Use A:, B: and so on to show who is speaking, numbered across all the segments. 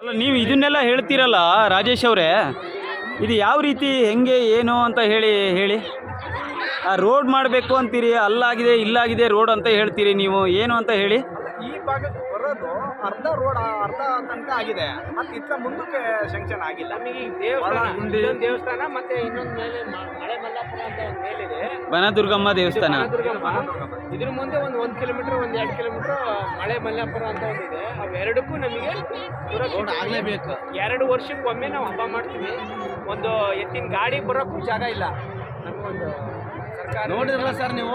A: ಅಲ್ಲ, ನೀವು ಇದನ್ನೆಲ್ಲ ಹೇಳ್ತೀರಲ್ಲ ರಾಜೇಶ್ ಅವರೇ, ಇದು ಯಾವ ರೀತಿ ಹೆಂಗೆ ಏನು ಅಂತ ಹೇಳಿ ಆ ರೋಡ್ ಮಾಡಬೇಕು ಅಂತೀರಿ, ಅಲ್ಲಾಗಿದೆ ಇಲ್ಲಾಗಿದೆ ರೋಡ್ ಅಂತ ಹೇಳ್ತೀರಿ, ನೀವು ಏನು ಅಂತ ಹೇಳಿ.
B: ಈ ಭಾಗಕ್ಕೆ ಬರೋದು ಅರ್ಧ ರೋಡ್ ಅರ್ಧ ತನಕ ಆಗಿದೆ, ಮತ್ತೆ ಇತ್ತ ಮುಂದಕ್ಕೆ ಶಂಕ್ಷನ್ ಆಗಿಲ್ಲ.
C: ನಮಗೆ ಈ ದೇವಸ್ಥಾನ ದೇವಸ್ಥಾನ ಮತ್ತೆ ಇನ್ನೊಂದು ಮೇಲೆ ಮಳೆ ಮಲ್ಲಾಪುರ ಅಂತ ಒಂದು ಮೇಲಿದೆ,
A: ಬನದುರ್ಗಮ್ಮ ದೇವಸ್ಥಾನ.
C: ಇದ್ರ ಮುಂದೆ ಒಂದು 1 ಕಿಲೋಮೀಟರ್ 1-2 ಕಿಲೋಮೀಟರ್ ಮಳೆ ಮಲ್ಲಾಪುರ ಅಂತ ಒಂದಿದೆ. ಅವೆರಡಕ್ಕೂ ನಮಗೆ
B: ರೋಡ್ ಆಗಲೇಬೇಕು.
C: 2 ವರ್ಷಕ್ಕೊಮ್ಮೆ ನಾವು ಹಬ್ಬ ಮಾಡ್ತೀವಿ. ಒಂದು ಎತ್ತಿನ ಗಾಡಿ ಬರೋಕ್ಕೂ ಜಾಗ ಇಲ್ಲ. ನಮಗೊಂದು
B: ನೋಡಿದ್ರಲ್ಲ ಸರ್ ನೀವು,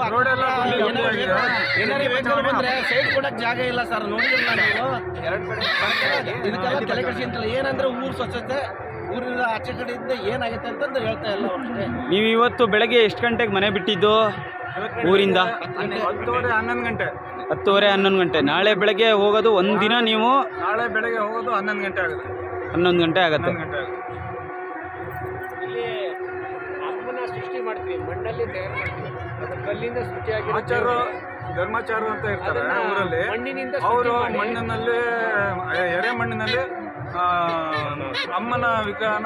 B: ಏನಾರು ವೆಹಿಕಲ್ ಬಂದ್ರೆ ಸೈಡ್ ಕೊಡಕ್ ಜಾಗ ಇಲ್ಲ ಸರ್. ನೋಡಿದ್ರಲ್ಲ ನೀವು, ಇದಕ್ಕೆಲ್ಲ ತಲೆ ಕೆಡಿಸಿಂತಲ್ಲ. ಏನಂದ್ರೆ ಊರು ಸ್ವಚ್ಛತೆ, ಊರಿನ ಆಚೆ ಕಡೆಯಿಂದ ಏನಾಗುತ್ತೆ ಅಂತಂದು ಹೇಳ್ತಾ ಇಲ್ಲ ಅಷ್ಟೇ.
A: ನೀವು ಇವತ್ತು ಬೆಳಗ್ಗೆ ಎಷ್ಟು ಗಂಟೆಗೆ ಮನೆ ಬಿಟ್ಟಿದ್ದು ಊರಿಂದ?
B: 10:30-11 ಗಂಟೆ.
A: 10:30-11 ಗಂಟೆ. ನಾಳೆ ಬೆಳಗ್ಗೆ ಹೋಗೋದು ಒಂದಿನ ನೀವು?
B: ನಾಳೆ ಬೆಳಗ್ಗೆ ಹೋಗೋದು 11 ಗಂಟೆ ಆಗುತ್ತೆ.
A: 11 ಗಂಟೆ ಆಗುತ್ತೆ.
C: ಇಲ್ಲಿ ಅಮ್ಮನ ಸೃಷ್ಟಿ ಮಾಡ್ತೀವಿ, ಮಣ್ಣಲ್ಲಿ ತಯಾರು ಮಾಡ್ತೀವಿ. ಅದು ಕಲ್ಲಿಂದ ಸೃಷ್ಟಿಯಾಗಿರುತ್ತೆ.
B: ಧರ್ಮಾಚಾರ ಅಂತ ಇರ್ತಾರೆ ಊರಲ್ಲಿ.
C: ಮಣ್ಣಿನಿಂದ
B: ಅವರು ಮಣ್ಣಿನಲ್ಲಿ, ಎರೆ ಮಣ್ಣಿನಲ್ಲಿ ಅಮ್ಮನ ವಿಗ್ರಹನ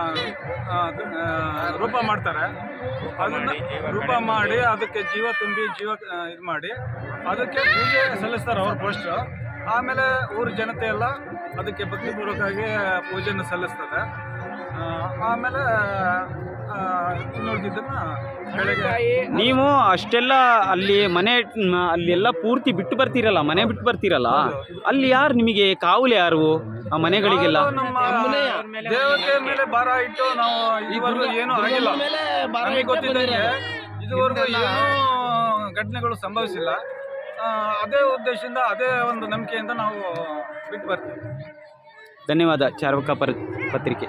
B: ರೂಪ ಮಾಡ್ತಾರೆ. ಅದನ್ನ ರೂಪ ಮಾಡಿ ಅದಕ್ಕೆ ಜೀವ ತುಂಬಿ ಇದು ಮಾಡಿ ಅದಕ್ಕೆ ಪೂಜೆ ಸಲ್ಲಿಸ್ತಾರೆ ಅವ್ರ ಫಸ್ಟ್. ಆಮೇಲೆ ಊರ ಜನತೆ ಎಲ್ಲ ಅದಕ್ಕೆ ಭಕ್ತಿಪೂರ್ವಕವಾಗಿ ಪೂಜೆಯನ್ನು ಸಲ್ಲಿಸ್ತದೆ. ಆಮೇಲೆ ಇನ್ನುಳಿದಿದ್ದನ್ನು ಬೆಳಗ್ಗೆ.
A: ನೀವು ಅಷ್ಟೆಲ್ಲ ಅಲ್ಲಿ ಅಲ್ಲೆಲ್ಲ ಪೂರ್ತಿ ಬಿಟ್ಟು ಬರ್ತೀರಲ್ಲ, ಮನೆ ಬಿಟ್ಟು ಬರ್ತೀರಲ್ಲ, ಅಲ್ಲಿ ಯಾರು ನಿಮಗೆ ಕಾವಲು, ಯಾರು ಆ ಮನೆಗಳಿಗೆಲ್ಲ?
B: ನಮ್ಮ ದೇವತೆ ಮೇಲೆ ಭಾರ ಇಟ್ಟು ನಾವು ಈವರೆಗೂ ಏನೂ ಆಗಿಲ್ಲ. ನಮಗೆ ಗೊತ್ತಿದ್ದಂಗೆ ಇದುವರೆಗೂ ಏನೂ ಘಟನೆಗಳು ಸಂಭವಿಸಿಲ್ಲ. ಅದೇ ಉದ್ದೇಶದಿಂದ, ಅದೇ ಒಂದು ನಂಬಿಕೆಯಿಂದ ನಾವು ಬಿಟ್ಟು ಬರ್ತೀವಿ.
A: ಧನ್ಯವಾದ. ಚಾರ್ವಕ ಪತ್ರಿಕೆ.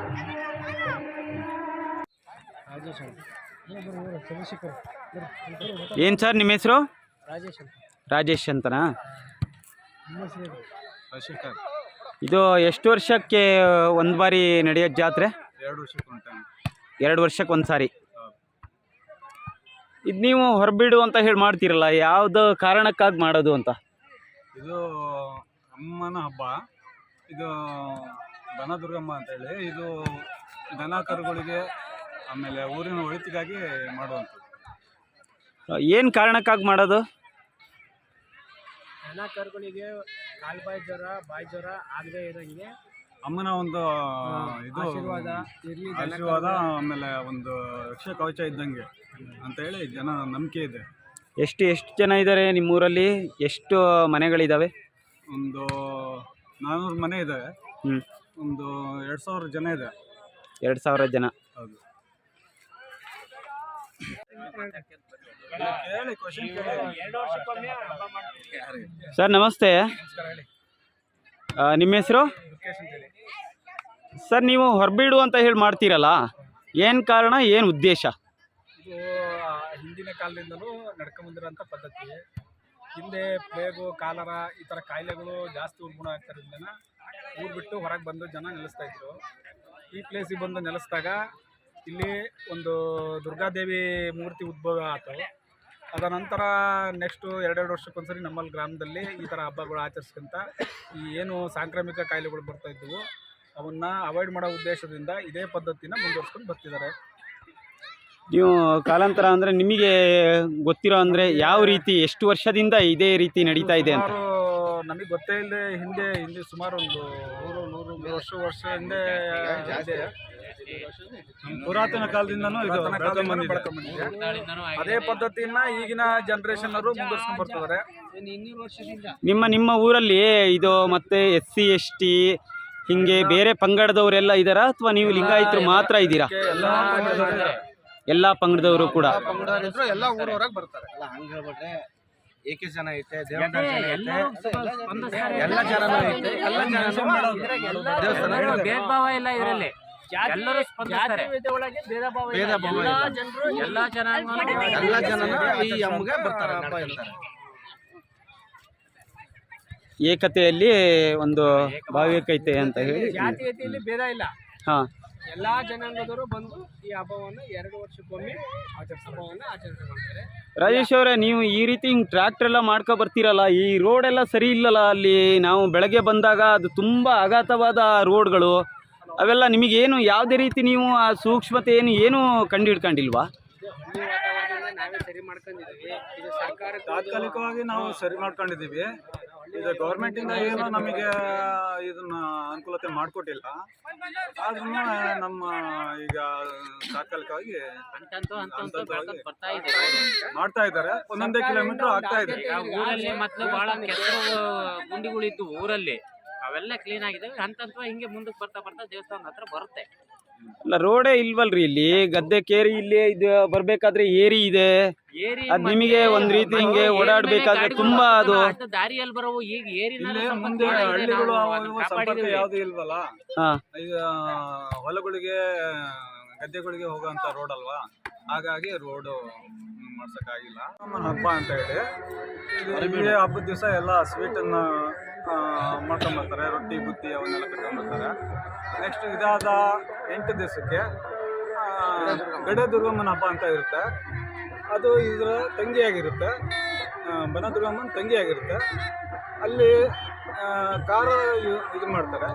A: ಏನು ಸರ್ ನಿಮ್ಮ ಹೆಸರು? ರಾಜೇಶ್ ಅಂತನಾ? ಇದು ಎಷ್ಟು ವರ್ಷಕ್ಕೆ ಒಂದು ಬಾರಿ ನಡೆಯೋ ಜಾತ್ರೆ? 2 ವರ್ಷಕ್ಕೆ ಒಂದು ಸಾರಿ. ಇದು ನೀವು ಹೊರಬಿಡು ಅಂತ ಹೇಳಿ ಮಾಡ್ತೀರಲ್ಲ, ಯಾವ್ದು ಕಾರಣಕ್ಕಾಗಿ ಮಾಡೋದು ಅಂತ?
B: ಇದು ಅಮ್ಮನ ಹಬ್ಬ. ಇದು ಬನದುರ್ಗಮ್ಮ ಅಂತೇಳಿ, ಇದು ದನ ಕರುಗಳಿಗೆ ಆಮೇಲೆ ಊರಿನ ಒಳಿತಿಗಾಗಿ ಮಾಡುವಂಥದ್ದು.
A: ಏನು ಕಾರಣಕ್ಕಾಗಿ ಮಾಡೋದು?
C: ದನ ಕರುಗಳಿಗೆ ಕಾಲ್ಬಾಯಿ ಜ್ವರ, ಬಾಯಿ ಜ್ವರ ಆಗದೆ ಇರೋಂಗೆ
B: ಅಮ್ಮನ ಒಂದು ಇದು ಆಶೀರ್ವಾದ, ಆಮೇಲೆ ಒಂದು ರಕ್ಷಾ ಕವಚ ಇದ್ದಂಗೆ ಅಂತೇಳಿ ಜನ ನಂಬಿಕೆ ಇದೆ.
A: ಎಷ್ಟು ಜನ ಇದ್ದಾರೆ ನಿಮ್ಮೂರಲ್ಲಿ? ಎಷ್ಟು ಮನೆಗಳಿದ್ದಾವೆ?
B: ಒಂದು 400 ಮನೆ ಇದ್ದಾವೆ. ಒಂದು 2000 ಜನ ಇದೆ.
A: 2000 ಜನ.
B: ಹೌದು.
A: ಸರ್ ನಮಸ್ತೆ. ನಿಮ್ಮ ಹೆಸರು? ಸರ್ ನೀವು ಹೊರಬಿಡು ಅಂತ ಹೇಳಿ ಮಾಡ್ತೀರಲ್ಲ, ಏನು ಕಾರಣ, ಏನು ಉದ್ದೇಶ?
B: ಇದು ಹಿಂದಿನ ಕಾಲದಿಂದಲೂ ನಡ್ಕೊಂಬಂದಿರೋಂಥ ಪದ್ಧತಿ. ಹಿಂದೆ ಪ್ಲೇಗು, ಕಾಲರ ಈ ಥರ ಕಾಯಿಲೆಗಳು ಜಾಸ್ತಿ ಉಲ್ಬಣ ಆಗ್ತಾರಿಂದ ಊರು ಬಿಟ್ಟು ಹೊರಗೆ ಬಂದು ಜನ ನೆಲೆಸ್ತಾ ಇದ್ರು. ಈ ಪ್ಲೇಸಿಗೆ ಬಂದು ನೆಲೆಸಿದಾಗ ಇಲ್ಲಿ ಒಂದು ದುರ್ಗಾದೇವಿ ಮೂರ್ತಿ ಉದ್ಭವ ಆಯಿತು. ಅದರ ನಂತರ ನೆಕ್ಸ್ಟು 2 ವರ್ಷಕ್ಕೊಂದ್ಸರಿ ನಮ್ಮಲ್ಲಿ ಗ್ರಾಮದಲ್ಲಿ ಈ ಥರ ಹಬ್ಬಗಳು ಆಚರಿಸ್ಕೊಂತ ಈ ಏನು ಸಾಂಕ್ರಾಮಿಕ ಕಾಯಿಲೆಗಳು ಬರ್ತಾಯಿದ್ದವು ಅವನ್ನ ಅವಾಯ್ಡ್ ಮಾಡೋ ಉದ್ದೇಶದಿಂದ ಇದೇ ಪದ್ಧತಿನ ಮುಂದುವರ್ಸ್ಕೊಂಡು ಬರ್ತಿದ್ದಾರೆ.
A: ನೀವು ಕಾಲಾಂತರ ಅಂದರೆ ನಿಮಗೆ ಗೊತ್ತಿರೋ ಅಂದರೆ ಯಾವ ರೀತಿ, ಎಷ್ಟು ವರ್ಷದಿಂದ ಇದೇ ರೀತಿ ನಡೀತಾ ಇದೆ ಅಂತ?
B: ನಮಗೆ ಗೊತ್ತೇ ಇಲ್ಲದೆ ಹಿಂದೆ ಸುಮಾರು ಒಂದು 100-103 ವರ್ಷ ಹಿಂದೆ ಇದೆ. ಪುರಾತನ ಕಾಲದಿಂದನೂ ಇದು ಅದೇ ಪದ್ಧತಿಯನ್ನ ಈಗಿನ ಜನರೇಷನ್ ಅವರು ಮುಂದುವರ್ಸ್ಕೊಂಡು ಬರ್ತಿದ್ದಾರೆ.
A: ನಿಮ್ಮ ಊರಲ್ಲಿ ಇದು ಮತ್ತೆ SC ST ಹಿಂಗೆ ಬೇರೆ ಪಂಗಡದವರೆಲ್ಲ ಇದ್ದಾರಾ, ಅಥವಾ ನೀವು ಲಿಂಗಾಯತರು ಮಾತ್ರ ಇದ್ದೀರಾ? ಎಲ್ಲ ಪಂಗಡದವರು ಕೂಡ
B: ಎಲ್ಲ ಊರವರಾಗ ಬರ್ತಾರೆ. ಹಂಗೆ ಹೇಳ್ಬಿಟ್ರೆ ಏಕೆ ಜನ ಐತೆ, ದೇವಸ್ಥಾನ ಜನ ಐತೆ, ಎಲ್ಲ ಜನನೂ ಐತೆ, ಎಲ್ಲ ಜನನೂ
C: ಭೇದ ಭಾವ ಇಲ್ಲ ಇದರಲ್ಲಿ. ಎಲ್ಲರೂ ಸ್ಪಂದಿಸ್ತಾರೆ. ಭೇದ ಭಾವ ಎಲ್ಲ
B: ಜನನೂ ಈ ಅಮ್ಮಗೆ ಬರ್ತಾರೆ, ಹಬ್ಬ ಇರ್ತಾರೆ.
A: ಏಕತೆಯಲ್ಲಿ ಒಂದು ಭಾವೈಕ್ಯತೆ ಅಂತ ಹೇಳಿ
C: ಜಾತೀಯತೆಯಲ್ಲಿ ಭೇದ ಇಲ್ಲ.
A: ಹಾಂ,
C: ಎಲ್ಲ ಜನಾಂಗದವರು ಬಂದು ಈ ಹಬ್ಬವನ್ನು 2 ವರ್ಷಕ್ಕೊಮ್ಮೆ ಹಬ್ಬವನ್ನು ಆಚರಣೆ ಮಾಡ್ತಾರೆ.
A: ರಾಜೇಶ್ ಅವರೇ, ನೀವು ಈ ರೀತಿ ಹಿಂಗೆ ಟ್ರ್ಯಾಕ್ಟರ್ ಎಲ್ಲ ಮಾಡ್ಕೊ ಬರ್ತೀರಲ್ಲ, ಈ ರೋಡ್ ಎಲ್ಲ ಸರಿ ಇಲ್ಲಲ್ಲ ಅಲ್ಲಿ? ನಾವು ಬೆಳಗ್ಗೆ ಬಂದಾಗ ಅದು ತುಂಬ ಅಗಾಧವಾದ ರೋಡ್ಗಳು ಅವೆಲ್ಲ, ನಿಮಗೇನು ಯಾವುದೇ ರೀತಿ ನೀವು ಆ ಸೂಕ್ಷ್ಮತೆ ಏನು ಕಂಡು ಹಿಡ್ಕೊಂಡಿಲ್ವಾ?
C: ಹಳ್ಳಿ ವಾತಾವರಣದಿಂದ ನಾವೇ ಸರಿ ಮಾಡ್ಕೊಂಡಿದ್ದೀವಿ. ಇದು ಸರ್ಕಾರ
B: ತಾತ್ಕಾಲಿಕವಾಗಿ ನಾವು ಸರಿ ಮಾಡ್ಕೊಂಡಿದ್ದೀವಿ. ಇದು ಗೌರ್ಮೆಂಟಿಂದ ಏನು ನಮಗೆ ಇದನ್ನ ಅನುಕೂಲತೆ ಮಾಡಿಕೊಟ್ಟಿಲ್ಲ. ಆದ್ರೂ ನಮ್ಮ ಈಗ ತಾತ್ಕಾಲಿಕವಾಗಿ ಮಾಡ್ತಾ ಇದ್ದಾರೆ. ಒಂದೊಂದೇ ಕಿಲೋಮೀಟರ್ ಆಗ್ತಾ ಇದೆ.
D: ಊರಲ್ಲಿ ಮೊದಲು ಬಹಳ ಕೆಸರು ಗುಂಡಿಗಳಿದ್ದು ಊರಲ್ಲಿ, ಅವೆಲ್ಲ ಕ್ಲೀನ್ ಆಗಿದ್ದಾವೆ. ಹಂತ ಹಿಂಗೆ ಮುಂದಕ್ಕೆ ಬರ್ತಾ ಬರ್ತಾ ದೇವಸ್ಥಾನದ ಹತ್ರ ಬರುತ್ತೆ.
A: ಅಲ್ಲ, ರೋಡೇ ಇಲ್ವಲ್ರಿ ಇಲ್ಲಿ? ಗದ್ದೆ ಕೇರಿ ಇಲ್ಲಿ ಇದು ಬರ್ಬೇಕಾದ್ರೆ ಏರಿ ಇದೆ,
D: ಏರಿ
A: ಅದ್ ನಿಮಗೆ ಒಂದ್ ರೀತಿ ಹಿಂಗೆ ಓಡಾಡ್ಬೇಕಾದ್ರೆ ತುಂಬಾ ಅದು
D: ದಾರಿಯಲ್ಲಿ ಬರೋವು. ಈಗ ಏರಿ
B: ಇಲ್ಲಿ ಮುಂದೆ ಹಳ್ಳಿಗಳು ಸಂಪರ್ಕ ಯಾವ್ದು ಇಲ್ವಲ್ಲ.
A: ಹಾ,
B: ಈಗ ಹೊಲಗಳಿಗೆ ಗದ್ದೆಗಳಿಗೆ ಹೋಗುವಂತ ರೋಡ್ ಅಲ್ವಾ, ಹಾಗಾಗಿ ರೋಡ್ ಮಾಡ್ಸಕ್ಕಾಗಿಲ್ಲ. ನಮ್ಮ ಹಬ್ಬ ಅಂತ ಹೇಳಿ ಈ ಹಬ್ಬದ ದಿವಸ ಎಲ್ಲ ಸ್ವೀಟನ್ನು ಮಾಡ್ಕೊಂಬರ್ತಾರೆ. ರೊಟ್ಟಿ ಬುತ್ತಿ ಅವನ್ನೆಲ್ಲ ಕಟ್ಕೊಂಬರ್ತಾರೆ. ನೆಕ್ಸ್ಟ್ ಇದಾದ 8 ದಿವಸಕ್ಕೆ ಗಡೆ ದುರ್ಗಮ್ಮನ ಹಬ್ಬ ಅಂತ ಇರುತ್ತೆ. ಅದು ಇದರ ತಂಗಿಯಾಗಿರುತ್ತೆ, ಬನದುರ್ಗಮ್ಮನ ತಂಗಿಯಾಗಿರುತ್ತೆ. ಅಲ್ಲಿ ಕಾರ ಇದು ಮಾಡ್ತಾರೆ,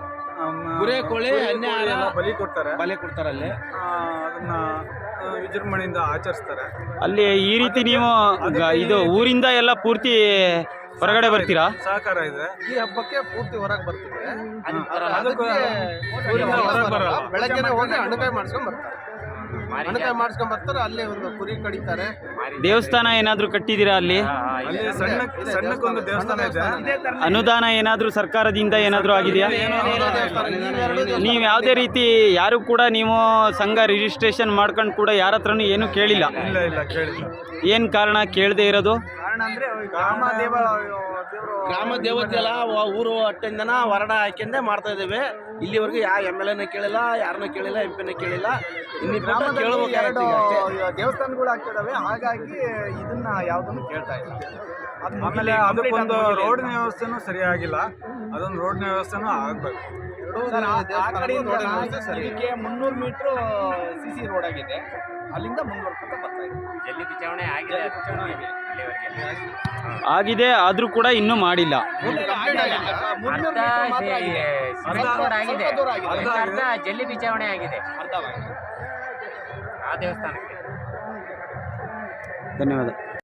B: ಬಲಿ ಕೊಡ್ತಾರೆ ಅಲ್ಲಿ. ಅದನ್ನ ವಿಜೃಂಭಣೆಯಿಂದ ಆಚರಿಸ್ತಾರೆ.
A: ಅಲ್ಲಿ ಈ ರೀತಿ ನೀವು ಇದು ಊರಿಂದ ಎಲ್ಲ ಪೂರ್ತಿ ಹೊರಗಡೆ ಬರ್ತೀರಾ?
B: ಸಹಕಾರ ಇದೆ.
E: ಈ ಹಬ್ಬಕ್ಕೆ ಪೂರ್ತಿ ಹೊರಗೆ ಬರ್ತೀವಿ.
B: ಅದಕ್ಕೆ
E: ಬೆಳಗ್ಗೆ ಹೋಗಿ ಹಣ್ಣುಕಾಯಿ ಮಾಡಿಸ್ಕೊಂಡ್ ಬರ್ತಾರೆ. ಹಣ್ಣುಕಾಯಿ ಮಾಡಿಸ್ಕೊಂಡ್ ಬರ್ತಾರೆ. ಅಲ್ಲಿ ಒಂದು ಕುರಿ ಕಡಿತಾರೆ.
A: ದೇವಸ್ಥಾನ ಏನಾದ್ರು ಕಟ್ಟಿದ್ದೀರಾ ಅಲ್ಲಿ?
B: ಅಲ್ಲಿ ಸಣ್ಣಕ್ಕೊಂದು ದೇವಸ್ಥಾನ ಇದೆ.
A: ಅನುದಾನ ಏನಾದ್ರು ಸರ್ಕಾರದಿಂದ ಏನಾದ್ರು ಆಗಿದೆಯಾ? ನೀವು ಯಾವುದೇ ರೀತಿ ಯಾರು ಕೂಡ ನೀವು ಸಂಘ ರಿಜಿಸ್ಟ್ರೇಷನ್ ಮಾಡ್ಕೊಂಡು ಕೂಡ ಯಾರ ಹತ್ರನೂ ಏನು ಕೇಳಿಲ್ಲ?
B: ಇಲ್ಲ ಕೇಳಿಲ್ಲ.
A: ಏನು ಕಾರಣ ಕೇಳದೆ ಇರೋದು?
E: ಕಾರಣ ಅಂದ್ರೆ ಗ್ರಾಮ ದೇವತೆ ಎಲ್ಲ ಊರು ಅಟ್ಟೆಂದನ ಹೊರಡ ಹಾಕಿಂದೆ ಮಾಡ್ತಾ ಇದ್ದೇವೆ. ಇಲ್ಲಿವರೆಗೂ ಯಾವ MLA ಕೇಳಿಲ್ಲ, ಯಾರನ್ನ ಕೇಳಿಲ್ಲ, MP ಕೇಳಿಲ್ಲ. ದೇವಸ್ಥಾನಗಳು ಆಗ್ತಿದಾವೆ, ಹಾಗಾಗಿ ಇದನ್ನ ಯಾವ್ದನ್ನು ಕೇಳ್ತಾ ಇಲ್ಲ.
B: ಆಮೇಲೆ ಅದಕ್ಕೊಂದು ರೋಡಿನ ವ್ಯವಸ್ಥೆನೂ ಸರಿಯಾಗಿಲ್ಲ. ಅದೊಂದು ರೋಡಿನ ವ್ಯವಸ್ಥೆನೂ ಆಗ್ಬೇಕು.
E: ಇದಕ್ಕೆ 300 ಮೀಟರ್ CC ರೋಡ್ ಆಗಿದೆ. ಅಲ್ಲಿಂದ ಮುಂದುವರ್ಕೊಂತ ಬರ್ತಾ ಇದೆ.
D: ಜಲ್ಲಿ ಬಿಚಾವಣೆ ಆಗಿದೆ.
A: ಆಗಿದೆ, ಆದ್ರೂ ಕೂಡ ಇನ್ನೂ ಮಾಡಿಲ್ಲ.
D: ಅರ್ಧ ಜಲ್ಲಿ ಬಿಚಾವಣೆ ಆಗಿದೆ ಆ ದೇವಸ್ಥಾನಕ್ಕೆ.
A: ಧನ್ಯವಾದ.